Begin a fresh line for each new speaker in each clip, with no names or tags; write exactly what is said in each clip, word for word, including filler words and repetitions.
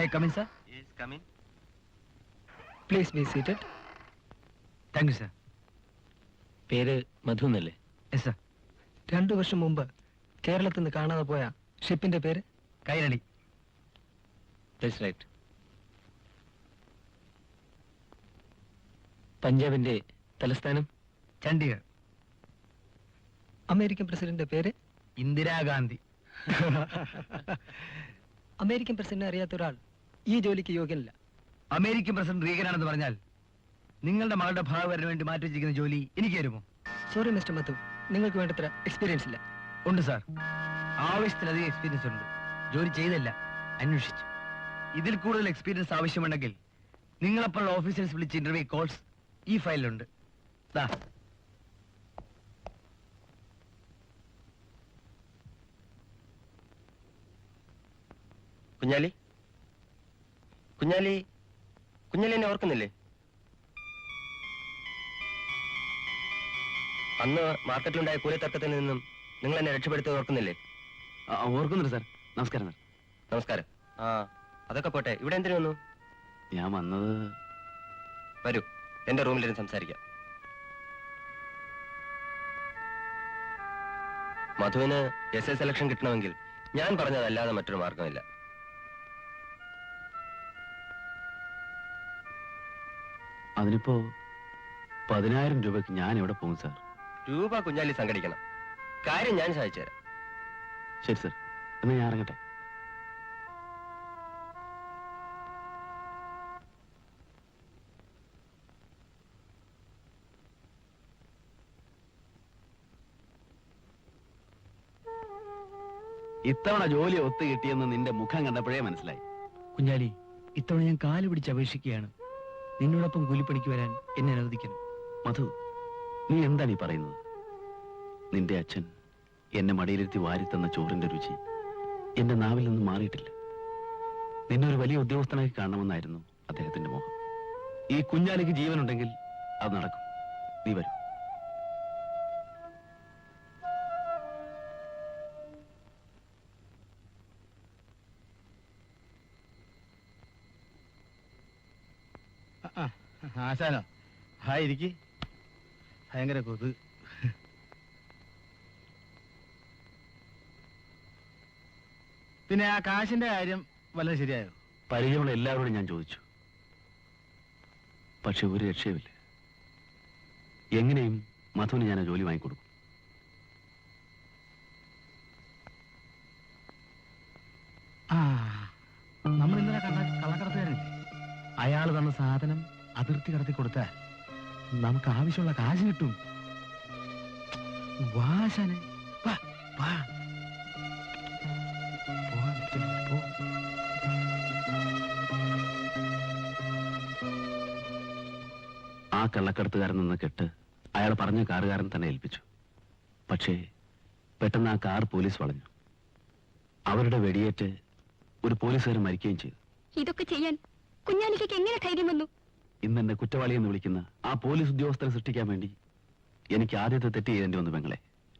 Hey, come in, sir.
Yes, come in.
Please be seated. Thank you, sir.
പേര് മധു എന്നല്ലേ?
Yes, sir. രണ്ടു വർഷം മുമ്പ് കേരളത്തിൽ നിന്ന് കാണാതെ പോയ ഷിപ്പിന്റെ പേര് കൈരളി.
That's right. പഞ്ചാബിന്റെ തലസ്ഥാനം
ചണ്ഡീഗഡ്. അമേരിക്കൻ പ്രസിഡന്റിന്റെ പേര് ഇന്ദിരാഗാന്ധി. അമേരിക്കൻ പ്രസിഡന്റിനെ അറിയാത്ത ഒരാൾ ഈ ജോലിക്ക് യോഗ്യനല്ല. അമേരിക്കൻ പ്രസിഡന്റ് റീഗനാണെന്ന് പറഞ്ഞാൽ നിങ്ങളുടെ മകളുടെ ഭാഗവരന് വേണ്ടി മാറ്റി വെച്ചിരിക്കുന്ന ജോലി എനിക്ക് തരുമോ? സോറി മിസ്റ്റർ മധു, നിങ്ങൾക്ക് വേണ്ടത്ര എക്സ്പീരിയൻസ് ഇല്ല. ഉണ്ട് സാർ, ആവശ്യത്തിലധികം എക്സ്പീരിയൻസ് ഉണ്ട്. ജോലി ചെയ്തല്ല, അന്വേഷിച്ചു. ഇതിൽ കൂടുതൽ എക്സ്പീരിയൻസ് ആവശ്യമുണ്ടെങ്കിൽ നിങ്ങളെപ്പോലുള്ള ഓഫീസേഴ്സ് വിളിച്ച് ഇന്റർവ്യൂ കോൾസ് ഈ ഫയലിലുണ്ട്. ദാ
കുഞ്ഞാലി കുഞ്ഞാലി കുഞ്ഞാലി എന്നെ ഓർക്കുന്നില്ലേ? അന്ന് മാർക്കറ്റിലുണ്ടായ കൂലിത്തർക്കത്തിൽ നിന്നും നിങ്ങൾ എന്നെ രക്ഷപ്പെടുത്തി ഓർക്കുന്നില്ലേ?
ഓർക്കുന്നുണ്ട് സാർ. നമസ്കാരം സാർ.
നമസ്കാരം. ആ അതൊക്കെ പോട്ടെ, ഇവിടെ എന്തിനു വന്നു?
ഞാൻ വന്നത്...
വരൂ, എന്റെ റൂമിലിരുന്ന് സംസാരിക്കാം. മധുവിന് എസ് എ സെലക്ഷൻ കിട്ടണമെങ്കിൽ ഞാൻ പറഞ്ഞതല്ലാതെ മറ്റൊരു മാർഗമില്ല.
അതിനിപ്പോ പതിനായിരം രൂപയ്ക്ക് ഞാൻ എവിടെ പോകും സാർ?
രൂപ കുഞ്ഞാലി സംഘടിക്കണം. കാര്യം ഞാൻ സഹായിച്ചു തരാം.
ശരി സാർ, എന്നാ ഞാൻ ഇറങ്ങട്ടെ. ഇത്തവണ ജോലി ഒത്തു കിട്ടിയെന്ന് നിന്റെ മുഖം കണ്ടപ്പോഴേ മനസ്സിലായി.
കുഞ്ഞാലി, ഇത്തവണ ഞാൻ കാല് പിടിച്ച് അപേക്ഷിക്കുകയാണ്. നിന്നോടൊപ്പം കൂലിപ്പണിക്ക് വരാൻ എന്നെ അനുവദിക്കണം.
മധു, നീ എന്താണ് ഈ പറയുന്നത്? നിന്റെ അച്ഛൻ എന്നെ മടിയിലിരുത്തി വാരിത്തന്ന ചോറിന്റെ രുചി എന്റെ നാവിൽ നിന്ന് മാറിയിട്ടില്ല. നിന്നെ ഒരു വലിയ ഉദ്യോഗസ്ഥനായി കാണണമെന്നായിരുന്നു അദ്ദേഹത്തിന്റെ മോഹം. ഈ കുഞ്ഞാലിക്ക് ജീവനുണ്ടെങ്കിൽ അത് നടക്കും. നീ വരൂ.
ആശാനോ? ഹായ്, ഇരിക്കി. ഭയങ്കര കൊതു. പിന്നെ ആ കാശിന്റെ കാര്യം വല്ലതും ശരിയായോ?
പരിചയമുള്ള എല്ലാവരോടും ഞാൻ ചോദിച്ചു, പക്ഷെ ഒരു രക്ഷയുമില്ല. എങ്ങനെയും മധുവിന് ഞാൻ ആ ജോലി വാങ്ങിക്കൊടുക്കും.
ആ, നമ്മൾ ഇന്നലെ കണ്ട കള്ളക്കടത്തുകാരനില്ലേ, അയാൾ തന്ന സാധനം അതിർത്തി കടത്തി കൊടുത്താൽ നമുക്ക് ആവശ്യമുള്ള കാശ് കിട്ടും. വാശാനെ വാ വാ പോ.
ആ കള്ളക്കടത്തുകാരൻ നിന്ന് കെട്ട് അയാൾ പറഞ്ഞ കാറുകാരൻ തന്നെ ഏൽപ്പിച്ചു. പക്ഷേ പെട്ടെന്ന് ആ കാർ പോലീസ് വളഞ്ഞു. അവരുടെ വെടിയേറ്റ് ഒരു പോലീസുകാരൻ മരിക്കുകയും ചെയ്തു.
ഇതൊക്കെ ചെയ്യാൻ കുഞ്ഞാലിക്ക് എങ്ങനെ ധൈര്യം വന്നു?
ഇന്ന് എന്നെ കുറ്റവാളി എന്ന് വിളിക്കുന്ന ആ പോലീസ് ഉദ്യോഗസ്ഥരെ സൃഷ്ടിക്കാൻ വേണ്ടി എനിക്ക് ആദ്യത്തെ തെറ്റ് ചെയ്യേണ്ടി വന്നു പെങ്ങളെ.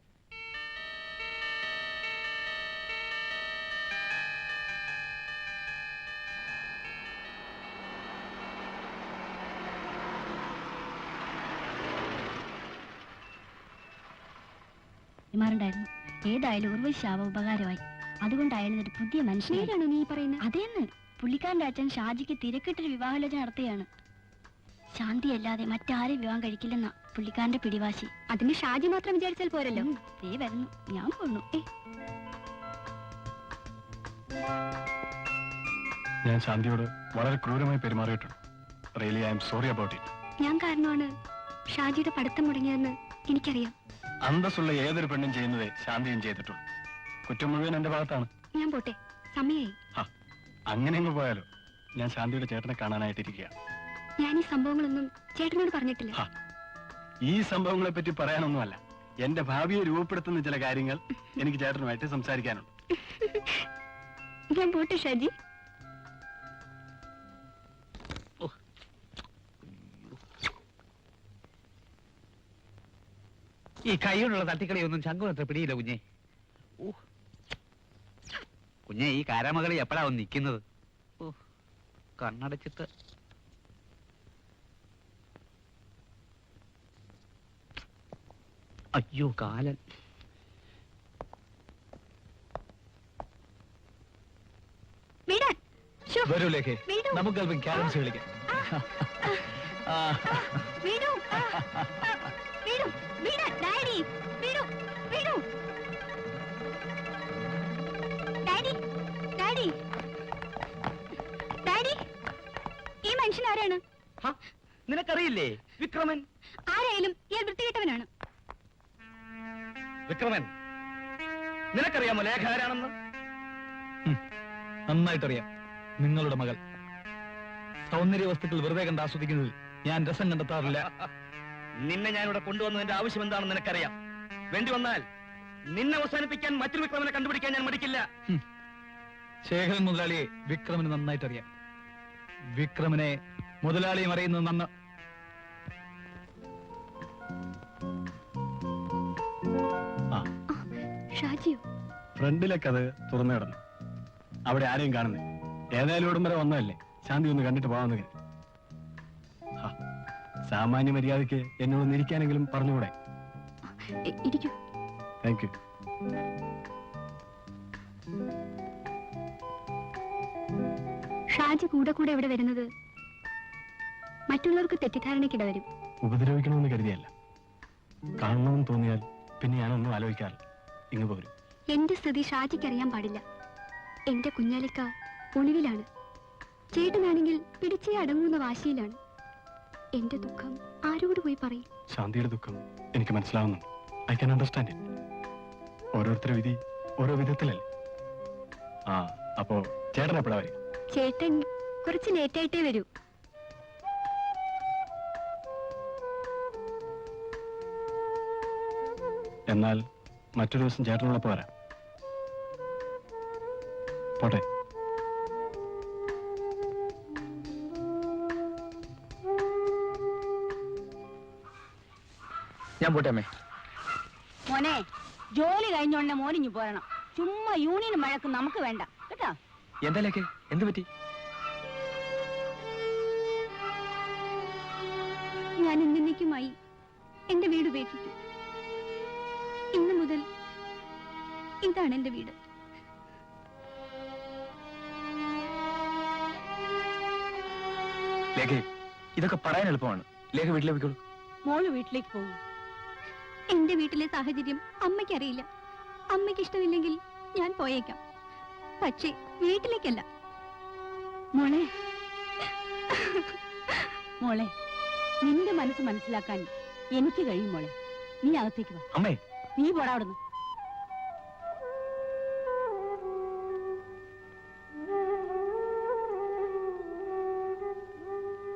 ായിരുന്നു ഏതായാലും ഉർവശി ശാവ ഉപകാരമായി. അതുകൊണ്ടായാലും ഒരു പുതിയ മനുഷ്യനാണോ നീ പറയുന്നത്? അതേന്ന് പുള്ളിക്കാരന്റെ അച്ഛൻ ഷാജിക്ക് തിരക്കിട്ടൊരു വിവാഹാലോചന നടത്തുകയാണ്. ശാന്തി അല്ലാതെ മറ്റാരും വിവാഹം കഴിക്കില്ലെന്ന പുള്ളിക്കാരന്റെ പിടിവാശി. അതിന് ഷാജി മാത്രം വിചാരിച്ചാൽ പോരല്ലോ. ദേ വരുന്നു, ഞാൻ പോണു.
ഞാൻ ശാന്തിയോട് വളരെ ക്രൂരമായി പെരുമാറിയിട്ടുണ്ട്. Really I am sorry about it.
ഞാൻ കാരണമാണ് ഷാജിയുടെ പഠിത്തം മുടങ്ങിയതെന്ന് എനിക്കറിയാം.
അന്തസ്സുള്ള ഏതൊരു പെണ്ണും ചെയ്യുന്നതേ ശാന്തിയും ചെയ്തിട്ടുള്ളൂ. കുറ്റം മുഴുവൻ എന്റെ ഭാഗത്താണ്.
ഞാൻ പോട്ടെ, സമയായി.
അങ്ങനെ അങ്ങ് പോയാലോ? ഞാൻ ശാന്തിയുടെ ചേട്ടനെ കാണാനായിട്ടിരിക്കുക.
ഞാൻ ഈ സംഭവങ്ങളൊന്നും ചേട്ടനോട് പറഞ്ഞിട്ടില്ല.
ഈ സംഭവങ്ങളെ പറ്റി പറയാനൊന്നുമല്ല, എന്റെ ഭാവിയെ രൂപപ്പെടുത്തുന്ന ചില കാര്യങ്ങൾ എനിക്ക് ചേട്ടനുമായിട്ട് സംസാരിക്കാനുണ്ട്.
ഞാൻ പോട്ടെ ഷാജി.
ഈ കൈകൊണ്ടുള്ള തട്ടിക്കളിയൊന്നും ശങ്കും അത്ര പിടിയില്ല കുഞ്ഞെ. കുഞ്ഞെ, ഈ കാരാമകളി എപ്പോഴാ വന്ന് നിൽക്കുന്നത്? കണ്ണടച്ചിട്ട് അയ്യോ കാലൻ.
വിടാൻ. ശ്ശോ,
വരൂ ലേഖേ,
വിടൂ.
നമുക്ക് അല്പം ക്യാരംസ് കളിക്കാം. ആ,
വിടൂ. വിടൂ. വിടാൻ. ഡാഡി, വിടൂ. വിടൂ. ഡാഡി, ഡാഡി, ഡാഡി, ഈ മനുഷ്യൻ ആരാണ്?
ഹ, നിനക്കറിയില്ലേ വിക്രമൻ?
ആരായാലും ഇയാൾ വൃത്തികെട്ടവനാണ്.
വിക്രമൻ, നിനക്കറിയാമോ ലേഖ ആരാണെന്ന്? നന്നായിട്ടറിയാം. നിങ്ങളുടെ മകൾ. സൗന്ദര്യ വസ്തുക്കൾ വെറുതെ കണ്ട് ആസ്വദിക്കുന്നതിൽ ഞാൻ രസം കണ്ടെത്താറില്ല. നിന്നെ ഞാൻ ഇവിടെ കൊണ്ടുവന്നതിന്റെ ആവശ്യം എന്താണെന്ന് നിനക്കറിയാം. വേണ്ടി വന്നാൽ നിന്നെ അവസാനിപ്പിക്കാൻ മറ്റൊരു വിക്രമനെ കണ്ടുപിടിക്കാൻ ഞാൻ മടിക്കില്ല. ശേഖരൻ മുതലാളിയെ വിക്രമന് നന്നായിട്ടറിയാം. വിക്രമനെ മുതലാളിയും അറിയുന്നത് നന്ന്.
ഷാജിയോ?
ഫ്രണ്ടിലൊക്കെ അത് തുറന്നു കിടന്നു. അവിടെ ആരെയും കാണുന്നില്ല. ഏതായാലും ഇവിടം വരെ വന്നതല്ലേ, ശാന്തി ഒന്ന് കണ്ടിട്ട് പോകാമെന്ന് കരുതി. ഹാ, സാമാന്യ മര്യാദയ്ക്ക് എന്നോട് ഇരിക്കാനെങ്കിലും പറഞ്ഞുകൂടെ?
ഇരിക്കൂ.
Thank you.
ഷാജി കൂടെ കൂടെ ഇവിടെ വരുന്നത് മറ്റുള്ളവർക്ക് തെറ്റിദ്ധാരണയ്ക്കിട വരും.
ഉപദ്രവിക്കണമെന്ന് കരുതിയല്ല. കാണണമെന്ന് തോന്നിയാൽ പിന്നെ ഞാനൊന്നും ആലോചിക്കാറില്ല, ഇങ്ങ് പോരും.
എന്റെ സ്ഥിതി ഷാജിക്ക് അറിയാൻ പാടില്ല. എന്റെ കുഞ്ഞാലിക്ക ഒളിവിലാണ്. ചേട്ടനാണെങ്കിൽ പിടിച്ചേ അടങ്ങുന്ന വാശിയിലാണ്. എന്റെ ദുഃഖം ആരോട് പോയി പറയും?
ശാന്തിയുടെ ദുഃഖം എനിക്ക് മനസ്സിലാവുന്നുണ്ട്. I can understand it. ഓരോരുത്തരുടെ വിധി ഓരോ വിധത്തിലല്ലേ. ആ, അപ്പോ ചേട്ടൻ എപ്പോഴാ വരിക?
ചേട്ടൻ കുറച്ച് ലേറ്റായിട്ടേ വരൂ.
എന്നാൽ മറ്റൊരു ദിവസം ചേട്ടനുള്ളപ്പോ വരാം. പോട്ടെ.
ഞാൻ പോട്ടെ അമ്മേ.
മോനെ, ജോലി കഴിഞ്ഞോണ്ട് മോനിഞ്ഞു പോരണം. ചുമ്മാ യൂണിയൻ മഴക്ക് നമുക്ക് വേണ്ട കേട്ടോ.
എന്താ ലേഖേ, എന്ത് പറ്റി?
ഞാൻ എന്നേക്കുമായി എന്റെ വീട് ഉപേക്ഷിച്ചു. ഇന്നു മുതൽ ഇതാണ് എന്റെ വീട്.
ലേഖേ, ഇതൊക്കെ പറയാൻ എളുപ്പമാണ്. ലേഖ വീട്ടിലേക്ക് പോയിക്കോളൂ.
മോള് വീട്ടിലേക്ക് പോകും.
എന്റെ വീട്ടിലെ സാഹചര്യം അമ്മയ്ക്കറിയില്ല. അമ്മയ്ക്ക് ഇഷ്ടമില്ലെങ്കിൽ ഞാൻ പോയേക്കാം, പക്ഷേ വീട്ടിലേക്കല്ല.
മോളെ, മോളെ, നിന്റെ മനസ്സ് മനസ്സിലാക്കാൻ എനിക്ക് കഴിയും മോളെ. നീ അകത്തേക്ക് വാ.
അമ്മേ,
നീ പോടാ അവിടുന്ന്.